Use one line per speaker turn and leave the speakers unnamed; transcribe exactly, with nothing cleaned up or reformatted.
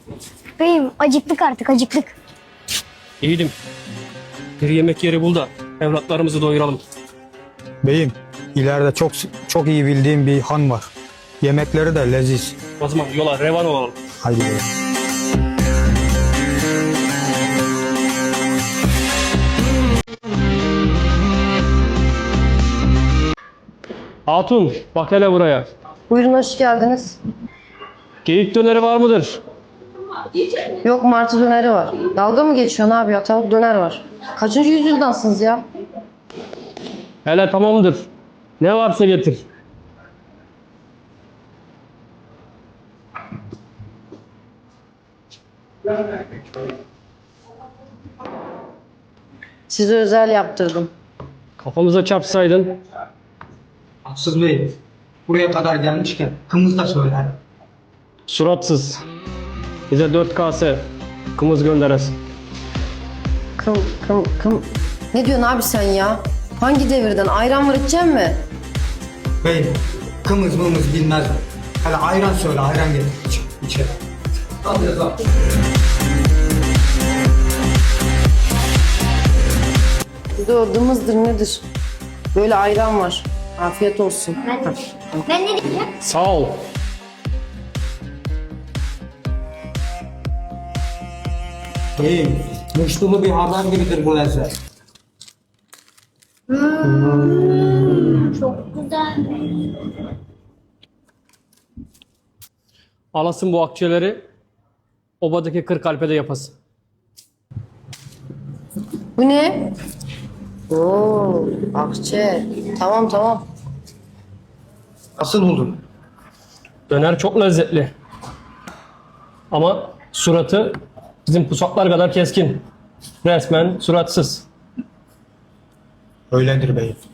Beyim acıktık artık acıktık.
İyiydim. Bir yemek yeri bul da evlatlarımızı doyuralım.
Beyim, ileride çok çok iyi bildiğim bir han var. Yemekleri de leziz.
O zaman yola revan olalım.
Haydi beyim.
Hatun bak hele buraya.
Buyurun, hoş geldiniz.
Geyik döneri var mıdır?
Yok, martı döneri var. Dalga mı geçiyorsun abi ya? Tavuk döner var. Kaçıncı yüzyıldansınız ya?
Hele tamamdır. Ne varsa getir.
Size özel yaptırdım.
Kafamıza çarpsaydın.
Haksız Bey, buraya kadar gelmişken kımız da söyler.
Suratsız. Bize dört kase kımız gönderesin.
Kım kım kım. Ne diyorsun abi sen ya? Hangi devirden? Ayran var, içecek mi?
Bey, kımız mımız bilmez. Hele ayran söyle, ayran getir iç, içeri. Al biraz al.
Bir de o dımızdır nedir? Böyle ayran var. Afiyet olsun.
Ben ne diyeceğim?
Sağ ol.
Bey, muştulu bir haber gibidir bu lezzet.
Çok güzel.
Alasın bu akçeleri obadaki kırk alpede yapasın.
Bu ne? Oo, akçe. Tamam tamam.
Nasıl buldun?
Döner çok lezzetli. Ama suratı bizim pusaklar kadar keskin. Resmen suratsız.
Öyledir bey.